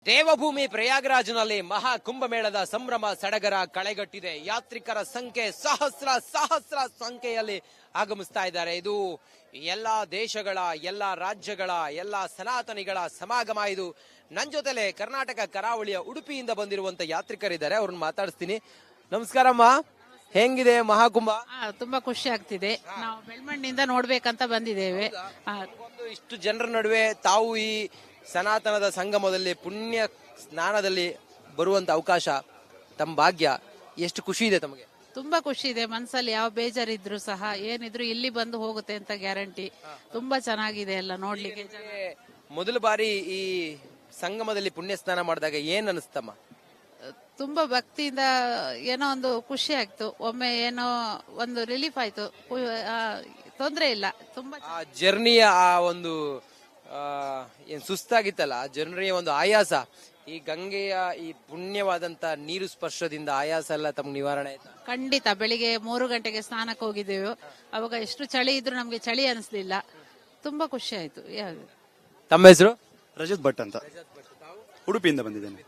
ದೇವಭೂಮಿ ಪ್ರಯಾಗರಾಜ್ನಲ್ಲಿ ಮಹಾ ಕುಂಭಮೇಳದ ಸಂಭ್ರಮ ಸಡಗರ ಕಳೆಗಟ್ಟಿದೆ. ಯಾತ್ರಿಕರ ಸಂಖ್ಯೆ ಸಹಸ್ರ ಸಂಖ್ಯೆಯಲ್ಲಿ ಆಗಮಿಸ್ತಾ ಇದ್ದಾರೆ. ಇದು ಎಲ್ಲಾ ದೇಶಗಳ, ಎಲ್ಲಾ ರಾಜ್ಯಗಳ, ಎಲ್ಲಾ ಸನಾತನಿಗಳ ಸಮಾಗಮ. ಇದು ನನ್ನ ಜೊತೆಲೆ ಕರ್ನಾಟಕ ಕರಾವಳಿಯ ಉಡುಪಿಯಿಂದ ಬಂದಿರುವಂತ ಯಾತ್ರಿಕರಿದ್ದಾರೆ, ಅವ್ರನ್ನ ಮಾತಾಡಿಸ್ತೀನಿ. ನಮಸ್ಕಾರಮ್ಮ, ಹೆಂಗಿದೆ ಮಹಾಕುಂಭ? ತುಂಬಾ ಖುಷಿ ಆಗ್ತಿದೆ. ನಾವು ಬೆಳ್ಮಣ್ಣಿಂದ ನೋಡ್ಬೇಕಂತ ಬಂದಿದ್ದೇವೆ. ಇಷ್ಟು ಜನರ ನಡುವೆ ತಾವು ಈ ಸನಾತನದ ಸಂಗಮದಲ್ಲಿ ಪುಣ್ಯ ಸ್ನಾನದಲ್ಲಿ ಬರುವಂತ ಅವಕಾಶ, ತಮ್ಮ ಭಾಗ್ಯ, ಎಷ್ಟು ಖುಷಿ ಇದೆ ತಮಗೆ? ತುಂಬಾ ಖುಷಿ ಇದೆ. ಮನ್ಸಲ್ಲಿ ಯಾವ ಬೇಜಾರಿದ್ರು ಸಹ ಏನಿದ್ರು ಇಲ್ಲಿ ಬಂದು ಹೋಗುತ್ತೆ ಅಂತ ಗ್ಯಾರಂಟಿ. ತುಂಬಾ ಚೆನ್ನಾಗಿದೆ ಎಲ್ಲ ನೋಡ್ಲಿಕ್ಕೆ. ಮೊದಲ ಬಾರಿ ಈ ಸಂಗಮದಲ್ಲಿ ಪುಣ್ಯ ಸ್ನಾನ ಮಾಡಿದಾಗ ಏನ್ ಅನಿಸ್ತಮ್ಮ? ತುಂಬಾ ಭಕ್ತಿಯಿಂದ ಏನೋ ಒಂದು ಖುಷಿ ಆಯ್ತು. ಒಮ್ಮೆ ಏನೋ ಒಂದು ರಿಲೀಫ್ ಆಯ್ತು. ತೊಂದ್ರೆ ಇಲ್ಲ. ತುಂಬಾ ಜರ್ನಿಯ ಆ ಒಂದು ಏನ್ ಸುಸ್ತಾಗಿತ್ತಲ್ಲ, ಜನರಿಗೆ ಒಂದು ಆಯಾಸ, ಈ ಗಂಗೆಯ ಈ ಪುಣ್ಯವಾದಂತ ನೀರು ಸ್ಪರ್ಶದಿಂದ ಆಯಾಸ ಎಲ್ಲ ತಮ್ಗೆ ನಿವಾರಣೆ ಆಯ್ತಾ? ಖಂಡಿತ. ಬೆಳಿಗ್ಗೆ 3 ಗಂಟೆಗೆ ಸ್ನಾನಕ್ಕೆ ಹೋಗಿದ್ದೇವೆ. ಅವಾಗ ಎಷ್ಟು ಚಳಿ ಇದ್ರು ನಮ್ಗೆ ಚಳಿ ಅನಿಸ್ಲಿಲ್ಲ. ತುಂಬಾ ಖುಷಿ ಆಯ್ತು. ತಮ್ಮ ಹೆಸರು? ರಜತ್ ಭಟ್ ಅಂತ, ಉಡುಪಿಯಿಂದ ಬಂದಿದ್ದೇನೆ.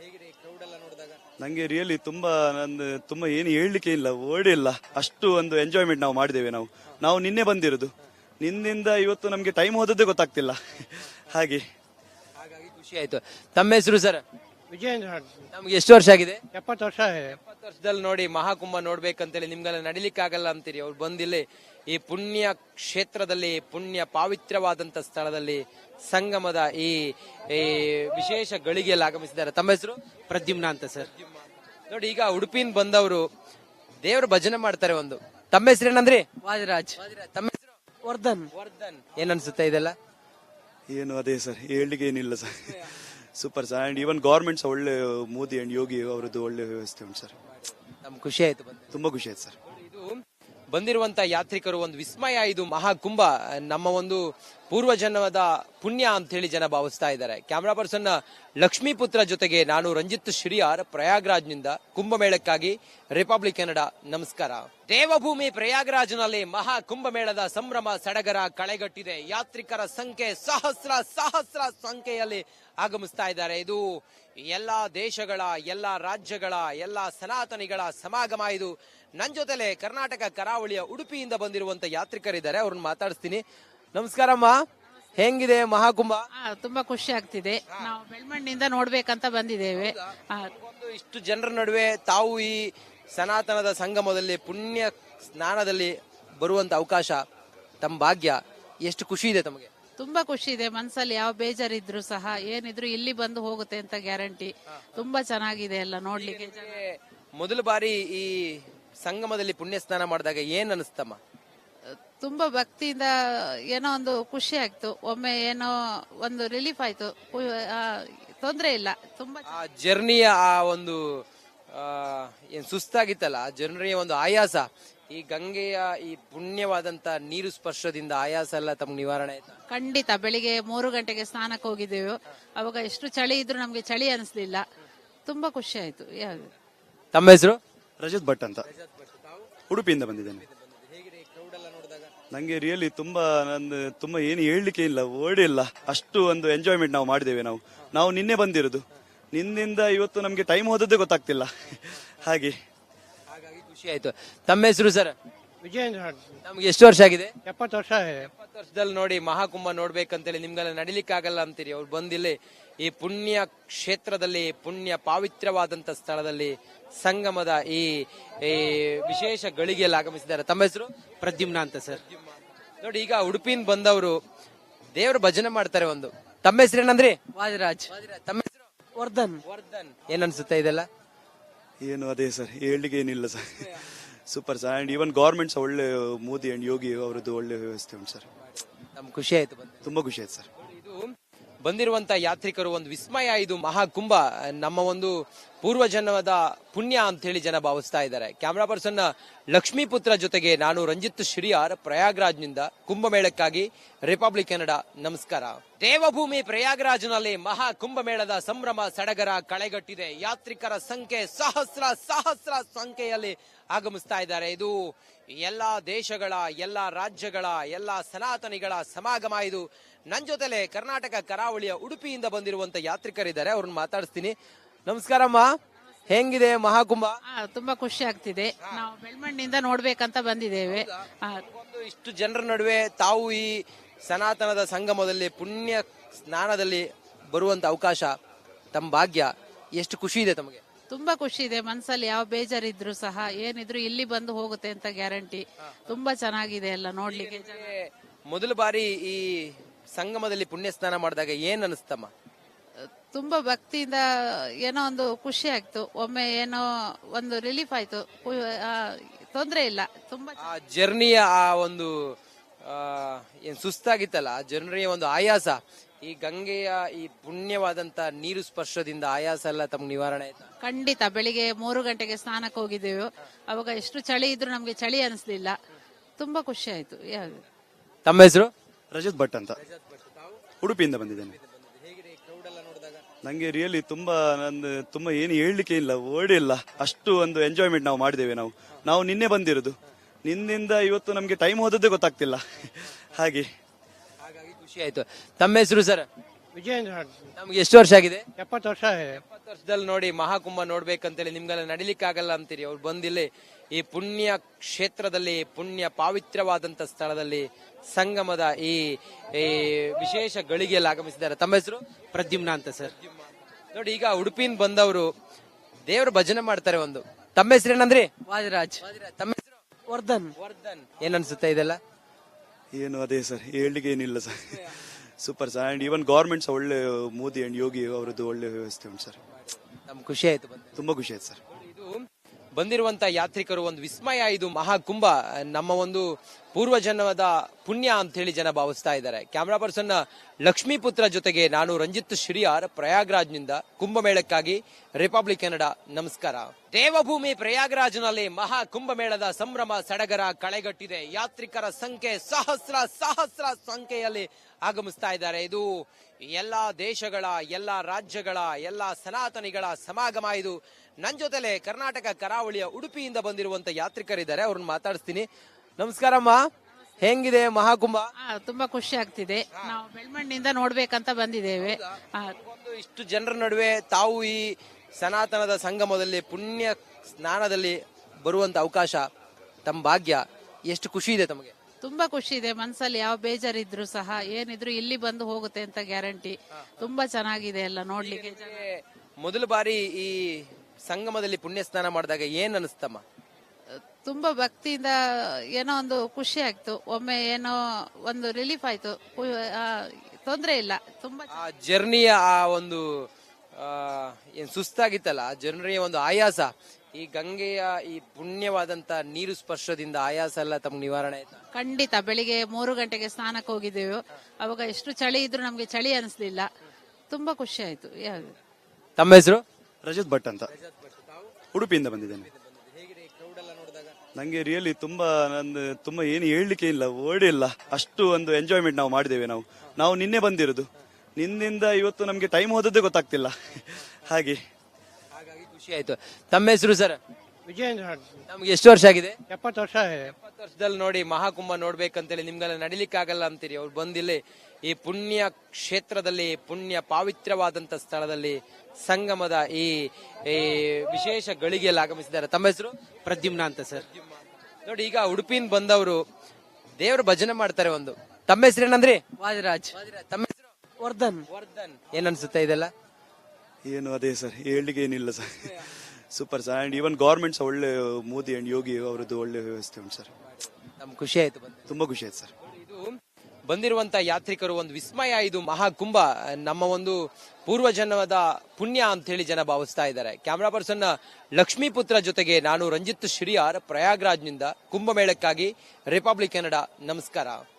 ನಂಗೆ ರಿಯಲಿ ತುಂಬಾ ಏನು ಹೇಳಲಿಕ್ಕೆ ಇಲ್ಲ, ವರ್ಡ್ ಇಲ್ಲ. ಅಷ್ಟು ಒಂದು ಎಂಜಾಯ್ಮೆಂಟ್ ನಾವು ಮಾಡಿದ್ದೇವೆ. ನಾವು ನಿನ್ನೆ ಬಂದಿರೋದು. ನಿನ್ನಿಂದ ಇವತ್ತು ನಮ್ಗೆ ಟೈಮ್ ಹೋದದ್ದೇ ಗೊತ್ತಾಗ್ತಿಲ್ಲ. ಹಾಗಾಗಿ ಖುಷಿ ಆಯ್ತು. ತಮ್ಮ ಹೆಸರು ಸರ್? ವಿಜಯೇಂದ್ರ. ನಮ್ಗೆ ಎಷ್ಟು ವರ್ಷ ಆಗಿದೆ? 70 ವರ್ಷ ಇದೆ. 70 ವರ್ಷದಲ್ಲಿ ನೋಡಿ ಮಹಾಕುಂಭ ನೋಡ್ಬೇಕಂತೇಳಿ ನಿಮ್ಗೆಲ್ಲ ನಡಿಲಿಕ್ಕಾಗಲ್ಲ ಅಂತೀರಿ. ಅವ್ರು ಬಂದಿಲ್ಲಿ ಈ ಪುಣ್ಯ ಕ್ಷೇತ್ರದಲ್ಲಿ, ಪುಣ್ಯ ಪಾವಿತ್ರ್ಯವಾದಂತ ಸ್ಥಳದಲ್ಲಿ ಸಂಗಮದ ಈ ವಿಶೇಷ ಗಳಿಗೆಯಲ್ಲಿ ಆಗಮಿಸಿದ್ದಾರೆ. ತಮ್ಮ ಹೆಸರು? ಪ್ರದ್ಯುಮ್ನ ಅಂತ ಸರ್. ನೋಡಿ, ಈಗ ಉಡುಪಿಯಿಂದ ಬಂದವರು ದೇವರ ಭಜನೆ ಮಾಡ್ತಾರೆ. ಒಂದು ತಮ್ಮ ಹೆಸರು ಏನಂದ್ರಿ? ವಾದಿರಾಜ್. ತಮ್ಮ ಹೆಸರು? ವರ್ಧನ್. ಏನ್ ಅನ್ಸುತ್ತೆ ಇದೆಲ್ಲ? ಏನು ಅದೇ ಸರ್, ಹೇಳಲಿಕ್ಕೆ ಏನಿಲ್ಲ sir. Super sir. And even governments ಒಳ್ಳೆ, ಮೋದಿ ಅಂಡ್ ಯೋಗಿ ಅವರದ್ದು ಒಳ್ಳೆ ವ್ಯವಸ್ಥೆ ಉಂಟು ಸರ್. ನಮ್ಗೆ ಖುಷಿ ಆಯ್ತು. ತುಂಬಾ ಖುಷಿ ಆಯ್ತು ಸರ್. ಇದು ಬಂದಿರುವಂತ ಯಾತ್ರಿಕರು ಒಂದು ವಿಸ್ಮಯ. ಇದು ಮಹಾಕುಂಭ ನಮ್ಮ ಒಂದು ಪೂರ್ವಜನ್ಮದ ಪುಣ್ಯ ಅಂತ ಹೇಳಿ ಜನ ಭಾವಿಸ್ತಾ ಇದ್ದಾರೆ. ಕ್ಯಾಮರಾ ಪರ್ಸನ್ ಲಕ್ಷ್ಮೀಪುತ್ರ ಜೊತೆಗೆ ನಾನು ರಂಜಿತ್ ಶ್ರೀಯಾರ್, ಪ್ರಯಾಗ್ರಾಜ್ನಿಂದ ಕುಂಭಮೇಳಕ್ಕಾಗಿ ರಿಪಬ್ಲಿಕ್ ಕನ್ನಡ. ನಮಸ್ಕಾರ. ದೇವಭೂಮಿ ಪ್ರಯಾಗರಾಜ್ನಲ್ಲಿ ಮಹಾ ಕುಂಭಮೇಳದ ಸಂಭ್ರಮ ಸಡಗರ ಕಳೆಗಟ್ಟಿದೆ. ಯಾತ್ರಿಕರ ಸಂಖ್ಯೆ ಸಹಸ್ರ ಸಂಖ್ಯೆಯಲ್ಲಿ ಆಗಮಿಸ್ತಾ ಇದ್ದಾರೆ. ಇದು ಎಲ್ಲಾ ದೇಶಗಳ, ಎಲ್ಲಾ ರಾಜ್ಯಗಳ, ಎಲ್ಲಾ ಸನಾತನಿಗಳ ಸಮಾಗಮ. ಇದು ನನ್ನ ಜೊತೆಲೆ ಕರ್ನಾಟಕ ಕರಾವಳಿಯ ಉಡುಪಿಯಿಂದ ಬಂದಿರುವಂತ ಯಾತ್ರಿಕರಿದ್ದಾರೆ, ಅವ್ರನ್ನ ಮಾತಾಡಿಸ್ತೀನಿ. ನಮಸ್ಕಾರಮ್ಮ, ಹೆಂಗಿದೆ ಮಹಾಕುಂಭ? ತುಂಬಾ ಖುಷಿ ಆಗ್ತಿದೆ. ನಾವು ಬೆಳ್ಮಣ್ಣಿಂದ ನೋಡ್ಬೇಕಂತ ಬಂದಿದ್ದೇವೆ. ಇಷ್ಟು ಜನರ ನಡುವೆ ತಾವು ಈ ಸನಾತನದ ಸಂಗಮದಲ್ಲಿ ಪುಣ್ಯ ಸ್ನಾನದಲ್ಲಿ ಬರುವಂತ ಅವಕಾಶ, ತಮ್ಮ ಭಾಗ್ಯ, ಎಷ್ಟು ಖುಷಿ ಇದೆ ತಮಗೆ? ತುಂಬಾ ಖುಷಿ ಇದೆ. ಮನ್ಸಲ್ಲಿ ಯಾವ ಬೇಜಾರಿದ್ರು ಸಹ ಏನಿದ್ರು ಇಲ್ಲಿ ಬಂದು ಹೋಗುತ್ತೆ ಅಂತ ಗ್ಯಾರಂಟಿ. ತುಂಬಾ ಚೆನ್ನಾಗಿದೆ ಎಲ್ಲ ನೋಡ್ಲಿಕ್ಕೆ. ಮೊದಲ ಬಾರಿ ಈ ಸಂಗಮದಲ್ಲಿ ಪುಣ್ಯ ಸ್ನಾನ ಮಾಡಿದಾಗ ಏನ್ ಅನಿಸ್ತಮ್ಮ? ತುಂಬಾ ಭಕ್ತಿಯಿಂದ ಏನೋ ಒಂದು ಖುಷಿ ಆಯ್ತು. ಒಮ್ಮೆ ಏನೋ ಒಂದು ರಿಲೀಫ್ ಆಯ್ತು. ತೊಂದ್ರೆ ಇಲ್ಲ. ತುಂಬಾ ಜರ್ನಿಯ ಆ ಒಂದು ಏನ್ ಸುಸ್ತಾಗಿತ್ತಲ್ಲ, ಜನರಿಗೆ ಒಂದು ಆಯಾಸ, ಈ ಗಂಗೆಯ ಈ ಪುಣ್ಯವಾದಂತ ನೀರು ಸ್ಪರ್ಶದಿಂದ ಆಯಾಸ ಎಲ್ಲ ತಮ್ಗೆ ನಿವಾರಣೆ ಆಯ್ತಾ? ಖಂಡಿತ. ಬೆಳಿಗ್ಗೆ 3 ಗಂಟೆಗೆ ಸ್ನಾನಕ್ಕೆ ಹೋಗಿದ್ದೇವೆ. ಅವಾಗ ಎಷ್ಟು ಚಳಿ ಇದ್ರು ನಮ್ಗೆ ಚಳಿ ಅನಿಸ್ಲಿಲ್ಲ. ತುಂಬಾ ಖುಷಿ ಆಯ್ತು. ತಮ್ಮ ಹೆಸರು? ರಜತ್ ಭಟ್ ಅಂತ, ಉಡುಪಿಯಿಂದ ಬಂದಿದ್ದೇನೆ. ನಂಗೆ ರಿಯಲಿ ತುಂಬಾ ಏನು ಹೇಳಲಿಕ್ಕೆ ಇಲ್ಲ, ವರ್ಡ್ ಇಲ್ಲ. ಅಷ್ಟು ಒಂದು ಎಂಜಾಯ್ಮೆಂಟ್ ನಾವು ಮಾಡಿದ್ದೇವೆ. ನಾವು ನಿನ್ನೆ ಬಂದಿರೋದು. ನಿನ್ನಿಂದ ಇವತ್ತು ನಮ್ಗೆ ಟೈಮ್ ಹೋದದ್ದೇ ಗೊತ್ತಾಗ್ತಿಲ್ಲ. ಹಾಗಾಗಿ ಖುಷಿ ಆಯ್ತು. ತಮ್ಮ ಹೆಸರು ಸರ್? ವಿಜಯೇಂದ್ರ. ನಮ್ಗೆ ಎಷ್ಟು ವರ್ಷ ಆಗಿದೆ? 70 ವರ್ಷ ಇದೆ. 70 ವರ್ಷದಲ್ಲಿ ನೋಡಿ ಮಹಾಕುಂಭ ನೋಡ್ಬೇಕಂತೇಳಿ ನಿಮ್ಗೆಲ್ಲ ನಡಿಲಿಕ್ಕಾಗಲ್ಲ ಅಂತೀರಿ. ಅವ್ರು ಬಂದಿಲ್ಲಿ ಈ ಪುಣ್ಯ ಕ್ಷೇತ್ರದಲ್ಲಿ, ಪುಣ್ಯ ಪಾವಿತ್ರ್ಯವಾದಂತ ಸ್ಥಳದಲ್ಲಿ ಸಂಗಮದ ಈ ವಿಶೇಷ ಗಳಿಗೆಯಲ್ಲಿ ಆಗಮಿಸಿದ್ದಾರೆ. ತಮ್ಮ ಹೆಸರು? ಪ್ರದ್ಯುಮ್ನ ಅಂತ ಸರ್. ನೋಡಿ, ಈಗ ಉಡುಪಿಯಿಂದ ಬಂದವರು ದೇವರ ಭಜನೆ ಮಾಡ್ತಾರೆ. ಒಂದು ತಮ್ಮ ಹೆಸರು ಏನಂದ್ರಿ? ವಾದಿರಾಜ್. ತಮ್ಮ ಹೆಸರು? ವರ್ಧನ್. ಏನ್ ಅನ್ಸುತ್ತೆ ಇದೆಲ್ಲ? ಏನು ಅದೇ ಸರ್, ಹೇಳಲಿಕ್ಕೆ ಏನಿಲ್ಲ sir. Super sir. And even governments ಒಳ್ಳೆ, ಮೋದಿ ಅಂಡ್ ಯೋಗಿ ಅವರದ್ದು ಒಳ್ಳೆ ವ್ಯವಸ್ಥೆ ಉಂಟು ಸರ್. ನಮ್ಗೆ ಖುಷಿ ಆಯ್ತು. ತುಂಬಾ ಖುಷಿ ಆಯ್ತು ಸರ್. ಇದು ಬಂದಿರುವಂತ ಯಾತ್ರಿಕರು ಒಂದು ವಿಸ್ಮಯ. ಇದು ಮಹಾಕುಂಭ ನಮ್ಮ ಒಂದು ಪೂರ್ವಜನ್ಮದ ಪುಣ್ಯ ಅಂತ ಹೇಳಿ ಜನ ಭಾವಿಸ್ತಾ ಇದ್ದಾರೆ. ಕ್ಯಾಮ್ರಾ ಪರ್ಸನ್ ಲಕ್ಷ್ಮೀಪುತ್ರ ಜೊತೆಗೆ ನಾನು ರಂಜಿತ್ ಶ್ರೀಯಾರ್ ಪ್ರಯಾಗ್ರಾಜ್ನಿಂದ ಕುಂಭಮೇಳಕ್ಕಾಗಿ ರಿಪಬ್ಲಿಕ್ ಕನ್ನಡ. ನಮಸ್ಕಾರ. ದೇವಭೂಮಿ ಪ್ರಯಾಗ್ರಾಜ್ನಲ್ಲಿ ಮಹಾ ಕುಂಭಮೇಳದ ಸಂಭ್ರಮ ಸಡಗರ ಕಳೆಗಟ್ಟಿದೆ. ಯಾತ್ರಿಕರ ಸಂಖ್ಯೆ ಸಹಸ್ರ ಸಂಖ್ಯೆಯಲ್ಲಿ ಆಗಮಿಸ್ತಾ ಇದ್ದಾರೆ. ಇದು ಎಲ್ಲಾ ದೇಶಗಳ, ಎಲ್ಲಾ ರಾಜ್ಯಗಳ, ಎಲ್ಲಾ ಸನಾತನಿಗಳ ಸಮಾಗಮ. ಇದು ನನ್ನ ಜೊತೆಲೆ ಕರ್ನಾಟಕ ಕರಾವಳಿಯ ಉಡುಪಿಯಿಂದ ಬಂದಿರುವಂತ ಯಾತ್ರಿಕರಿದ್ದಾರೆ, ಅವ್ರನ್ನ ಮಾತಾಡಿಸ್ತೀನಿ. ನಮಸ್ಕಾರಮ್ಮ, ಹೆಂಗಿದೆ ಮಹಾಕುಂಭ? ತುಂಬಾ ಖುಷಿ ಆಗ್ತಿದೆ. ನಾವು ಬೆಳ್ಮಣ್ಣಿಂದ ನೋಡ್ಬೇಕಂತ ಬಂದಿದ್ದೇವೆ. ಇಷ್ಟು ಜನರ ನಡುವೆ ತಾವು ಈ ಸನಾತನದ ಸಂಗಮದಲ್ಲಿ ಪುಣ್ಯ ಸ್ನಾನದಲ್ಲಿ ಬರುವಂತ ಅವಕಾಶ, ತಮ್ಮ ಭಾಗ್ಯ, ಎಷ್ಟು ಖುಷಿ ಇದೆ ತಮಗೆ? ತುಂಬಾ ಖುಷಿ ಇದೆ. ಮನ್ಸಲ್ಲಿ ಯಾವ ಬೇಜಾರಿದ್ರು ಸಹ ಏನಿದ್ರು ಇಲ್ಲಿ ಬಂದು ಹೋಗುತ್ತೆ ಅಂತ ಗ್ಯಾರಂಟಿ. ತುಂಬಾ ಚೆನ್ನಾಗಿದೆ ಎಲ್ಲ ನೋಡ್ಲಿಕ್ಕೆ. ಮೊದಲ ಬಾರಿ ಈ ಸಂಗಮದಲ್ಲಿ ಪುಣ್ಯ ಸ್ನಾನ ಮಾಡಿದಾಗ ಏನ್ ಅನಿಸ್ತಮ್ಮ? ತುಂಬಾ ಭಕ್ತಿಯಿಂದ ಏನೋ ಒಂದು ಖುಷಿ ಆಯ್ತು. ಒಮ್ಮೆ ಏನೋ ಒಂದು ರಿಲೀಫ್ ಆಯ್ತು. ತೊಂದ್ರೆ ಇಲ್ಲ. ತುಂಬಾ ಆ ಜರ್ನಿಯ ಆ ಒಂದು ಏನ್ ಸುಸ್ತಾಗಿತ್ತಲ್ಲ, ಆ ಜರ್ನಿಯ ಒಂದು ಆಯಾಸ, ಈ ಗಂಗೆಯ ಈ ಪುಣ್ಯವಾದಂತ ನೀರು ಸ್ಪರ್ಶದಿಂದ ಆಯಾಸ ಎಲ್ಲ ತಮ್ಗೆ ನಿವಾರಣೆ ಆಯ್ತಾ? ಖಂಡಿತ. ಬೆಳಿಗ್ಗೆ 3 ಗಂಟೆಗೆ ಸ್ನಾನಕ್ಕೆ ಹೋಗಿದ್ದೇವೆ. ಅವಾಗ ಎಷ್ಟು ಚಳಿ ಇದ್ರು ನಮ್ಗೆ ಚಳಿ ಅನಿಸ್ಲಿಲ್ಲ. ತುಂಬಾ ಖುಷಿ ಆಯ್ತು. ತಮ್ಮ ಹೆಸರು? ರಜತ್ ಭಟ್ ಅಂತ, ಉಡುಪಿಯಿಂದ ಬಂದಿದ್ದೇನೆ. ನಂಗೆ ರಿಯಲಿ ತುಂಬಾ ಏನು ಹೇಳಲಿಕ್ಕೆ ಇಲ್ಲ, ವರ್ಡ್ ಇಲ್ಲ. ಅಷ್ಟು ಒಂದು ಎಂಜಾಯ್ಮೆಂಟ್ ನಾವು ಮಾಡಿದ್ದೇವೆ. ನಾವು ನಿನ್ನೆ ಬಂದಿರೋದು. ನಿನ್ನಿಂದ ಇವತ್ತು ನಮ್ಗೆ ಟೈಮ್ ಹೋದದ್ದೇ ಗೊತ್ತಾಗ್ತಿಲ್ಲ. ಹಾಗಾಗಿ ಖುಷಿ ಆಯ್ತು. ತಮ್ಮ ಹೆಸರು ಸರ್? ವಿಜೇಂದ್ರ. ನಮ್ಗೆ ಎಷ್ಟು ವರ್ಷ ಆಗಿದೆ? 70 ವರ್ಷ ಇದೆ. 70 ವರ್ಷದಲ್ಲಿ ನೋಡಿ ಮಹಾಕುಂಭ ನೋಡ್ಬೇಕಂತೇಳಿ ನಿಮ್ಗೆಲ್ಲ ನಡಿಲಿಕ್ಕಾಗಲ್ಲ ಅಂತೀರಿ. ಅವ್ರು ಬಂದಿಲ್ಲಿ ಈ ಪುಣ್ಯ ಕ್ಷೇತ್ರದಲ್ಲಿ, ಪುಣ್ಯ ಪಾವಿತ್ರವಾದಂತ ಸ್ಥಳದಲ್ಲಿ ಸಂಗಮದ ಈ ವಿಶೇಷ ಗಳಿಗೆಯಲ್ಲಿ ಆಗಮಿಸಿದ್ದಾರೆ. ತಮ್ಮ ಹೆಸರು? ಪ್ರದ್ಯುಮ್ನ ಅಂತ ಸರ್. ನೋಡಿ, ಈಗ ಉಡುಪಿಯಿಂದ ಬಂದವರು ದೇವ್ರ ಭಜನೆ ಮಾಡ್ತಾರೆ ಒಂದು. ತಮ್ಮ ಹೆಸರು ಏನಂದ್ರಿ? ವಾದಿರಾಜ್. ತಮ್ಮ ಹೆಸರು? ವರ್ಧನ್. ವರ್ಧನ್. ಏನ್ ಅನ್ಸುತ್ತೆ ಇದೆಲ್ಲ? ಏನು ಅದೇ ಸರ್, ಹೇಳಲಿಕ್ಕೆ ಏನಿಲ್ಲ sir. Super sir. And even governments ಒಳ್ಳೆ, ಮೋದಿ ಅಂಡ್ ಯೋಗಿ ಅವರದ್ದು ಒಳ್ಳೆ ವ್ಯವಸ್ಥೆ ಉಂಟು ಸರ್. ನಮ್ಗೆ ಖುಷಿ ಆಯ್ತು ಬಂದು. ತುಂಬಾ ಖುಷಿ ಆಯ್ತು ಸರ್. ಇದು ಬಂದಿರುವಂತ ಯಾತ್ರಿಕರು ಒಂದು ವಿಸ್ಮಯ. ಇದು ಮಹಾಕುಂಭ ನಮ್ಮ ಒಂದು ಪೂರ್ವಜನ್ಮದ ಪುಣ್ಯ ಅಂತ ಹೇಳಿ ಜನ ಭಾವಿಸ್ತಾ ಇದ್ದಾರೆ. ಕ್ಯಾಮ್ರಾ ಪರ್ಸನ್ ಲಕ್ಷ್ಮೀಪುತ್ರ ಜೊತೆಗೆ ನಾನು ರಂಜಿತ್ ಶ್ರೀಯಾರ್ ಪ್ರಯಾಗ್ರಾಜ್ನಿಂದ ಕುಂಭಮೇಳಕ್ಕಾಗಿ ರಿಪಬ್ಲಿಕ್ ಕನ್ನಡ. ನಮಸ್ಕಾರ. ದೇವಭೂಮಿ ಪ್ರಯಾಗ್ರಾಜ್ನಲ್ಲಿ ಮಹಾ ಕುಂಭಮೇಳದ ಸಂಭ್ರಮ ಸಡಗರ ಕಳೆಗಟ್ಟಿದೆ. ಯಾತ್ರಿಕರ ಸಂಖ್ಯೆ ಸಹಸ್ರ ಸಂಖ್ಯೆಯಲ್ಲಿ ಆಗಮಿಸ್ತಾ ಇದ್ದಾರೆ. ಇದು ಎಲ್ಲಾ ದೇಶಗಳ, ಎಲ್ಲಾ ರಾಜ್ಯಗಳ, ಎಲ್ಲಾ ಸನಾತನಿಗಳ ಸಮಾಗಮ. ಇದು ನನ್ನ ಜೊತೆಲೆ ಕರ್ನಾಟಕ ಕರಾವಳಿಯ ಉಡುಪಿಯಿಂದ ಬಂದಿರುವಂತ ಯಾತ್ರಿಕರಿದ್ದಾರೆ, ಅವ್ರನ್ನ ಮಾತಾಡಿಸ್ತೀನಿ. ನಮಸ್ಕಾರಮ್ಮ, ಹೆಂಗಿದೆ ಮಹಾಕುಂಭ? ತುಂಬಾ ಖುಷಿ ಆಗ್ತಿದೆ. ನಾವು ಬೆಳ್ಮಣ್ಣಿಂದ ನೋಡ್ಬೇಕಂತ ಬಂದಿದ್ದೇವೆ. ಇಷ್ಟು ಜನರ ನಡುವೆ ತಾವು ಈ ಸನಾತನದ ಸಂಗಮದಲ್ಲಿ ಪುಣ್ಯ ಸ್ನಾನದಲ್ಲಿ ಬರುವಂತ ಅವಕಾಶ, ತಮ್ಮ ಭಾಗ್ಯ, ಎಷ್ಟು ಖುಷಿ ಇದೆ ತಮಗೆ? ತುಂಬಾ ಖುಷಿ ಇದೆ. ಮನ್ಸಲ್ಲಿ ಯಾವ ಬೇಜಾರಿದ್ರು ಸಹ ಏನಿದ್ರು ಇಲ್ಲಿ ಬಂದು ಹೋಗುತ್ತೆ ಅಂತ ಗ್ಯಾರಂಟಿ. ತುಂಬಾ ಚೆನ್ನಾಗಿದೆ ಎಲ್ಲ ನೋಡ್ಲಿಕ್ಕೆ. ಮೊದಲ ಬಾರಿ ಈ ಸಂಗಮದಲ್ಲಿ ಪುಣ್ಯ ಸ್ನಾನ ಮಾಡಿದಾಗ ಏನ್ ಅನಿಸ್ತಮ್ಮ? ತುಂಬಾ ಭಕ್ತಿಯಿಂದ ಏನೋ ಒಂದು ಖುಷಿ ಆಯ್ತು. ಒಮ್ಮೆ ಏನೋ ಒಂದು ರಿಲೀಫ್ ಆಯ್ತು. ತೊಂದ್ರೆ ಇಲ್ಲ. ತುಂಬಾ ಆ ಜರ್ನಿಯ ಆ ಒಂದು ಏನ್ ಸುಸ್ತಾಗಿತ್ತಲ್ಲ, ಆ ಜರ್ನಿಯ ಒಂದು ಆಯಾಸ, ಈ ಗಂಗೆಯ ಈ ಪುಣ್ಯವಾದಂತ ನೀರು ಸ್ಪರ್ಶದಿಂದ ಆಯಾಸ ಎಲ್ಲ ತಮ್ಗೆ ನಿವಾರಣೆ ಆಯ್ತಾ? ಖಂಡಿತ. ಬೆಳಿಗ್ಗೆ 3 ಗಂಟೆಗೆ ಸ್ನಾನಕ್ಕೆ ಹೋಗಿದ್ದೇವೆ. ಅವಾಗ ಎಷ್ಟು ಚಳಿ ಇದ್ರು ನಮ್ಗೆ ಚಳಿ ಅನಿಸ್ಲಿಲ್ಲ. ತುಂಬಾ ಖುಷಿ ಆಯ್ತು. ತಮ್ಮ ಹೆಸರು? ರಜತ್ ಭಟ್ ಅಂತ, ಉಡುಪಿಯಿಂದ ಬಂದಿದ್ದೇನೆ. ನಂಗೆ ರಿಯಲಿ ತುಂಬಾ ಏನು ಹೇಳಲಿಕ್ಕೆ ಇಲ್ಲ, ವರ್ಡ್ ಇಲ್ಲ. ಅಷ್ಟು ಒಂದು ಎಂಜಾಯ್ಮೆಂಟ್ ನಾವು ಮಾಡಿದ್ದೇವೆ. ನಾವು ನಿನ್ನೆ ಬಂದಿರೋದು. ನಿನ್ನಿಂದ ಇವತ್ತು ನಮ್ಗೆ ಟೈಮ್ ಹೋದದ್ದೇ ಗೊತ್ತಾಗ್ತಿಲ್ಲ. ಹಾಗಾಗಿ ಖುಷಿ ಆಯ್ತು. ತಮ್ಮ ಹೆಸರು ಸರ್? ವಿಜೇಂದ್ರ. ನಮ್ಗೆ ಎಷ್ಟು ವರ್ಷ ಆಗಿದೆ? 70 ವರ್ಷ ಇದೆ. 70 ವರ್ಷದಲ್ಲಿ ನೋಡಿ ಮಹಾಕುಂಭ ನೋಡ್ಬೇಕಂತೇಳಿ ನಿಮ್ಗೆಲ್ಲ ನಡಿಲಿಕ್ಕಾಗಲ್ಲ ಅಂತೀರಿ. ಅವ್ರು ಬಂದಿಲ್ಲಿ ಈ ಪುಣ್ಯ ಕ್ಷೇತ್ರದಲ್ಲಿ, ಪುಣ್ಯ ಪಾವಿತ್ರವಾದಂತ ಸ್ಥಳದಲ್ಲಿ ಸಂಗಮದ ಈ ವಿಶೇಷ ಗಳಿಗೆಯಲ್ಲಿ ಆಗಮಿಸಿದ್ದಾರೆ. ತಮ್ಮ ಹೆಸರು? ಪ್ರದ್ಯುಮ್ನ ಅಂತ ಸರ್. ನೋಡಿ, ಈಗ ಉಡುಪಿಯಿಂದ ಬಂದವರು ದೇವ್ರ ಭಜನೆ ಮಾಡ್ತಾರೆ ಒಂದು. ತಮ್ಮ ಹೆಸರು ಏನಂದ್ರಿ? ವಾದಿರಾಜ್. ತಮ್ಮ ಹೆಸರು? ವರ್ಧನ್. ವರ್ಧನ್. ಏನ್ ಅನ್ಸುತ್ತೆ ಇದೆಲ್ಲ? ಏನು ಅದೇ ಸರ್, ಹೇಳಲಿಕ್ಕೆ ಏನಿಲ್ಲ sir. Super sir. And even governments ಒಳ್ಳೆ, ಮೋದಿ ಅಂಡ್ ಯೋಗಿ ಅವರದ್ದು ಒಳ್ಳೆ ವ್ಯವಸ್ಥೆ ಉಂಟು ಸರ್. ನಮ್ಗೆ ಖುಷಿ ಆಯ್ತು ಬಂದು. ತುಂಬಾ ಖುಷಿ ಆಯ್ತು ಸರ್. ಇದು ಬಂದಿರುವಂತ ಯಾತ್ರಿಕರು ಒಂದು ವಿಸ್ಮಯ. ಇದು ಮಹಾಕುಂಭ ನಮ್ಮ ಒಂದು ಪೂರ್ವಜನ್ಮದ ಪುಣ್ಯ ಅಂತ ಹೇಳಿ ಜನ ಭಾವಿಸ್ತಾ ಇದ್ದಾರೆ. ಕ್ಯಾಮ್ರಾ ಪರ್ಸನ್ ಲಕ್ಷ್ಮೀಪುತ್ರ ಜೊತೆಗೆ ನಾನು ರಂಜಿತ್ ಶ್ರೀಯಾರ್ ಪ್ರಯಾಗ್ರಾಜ್ನಿಂದ ಕುಂಭಮೇಳಕ್ಕಾಗಿ ರಿಪಬ್ಲಿಕ್ ಕನ್ನಡ. ನಮಸ್ಕಾರ.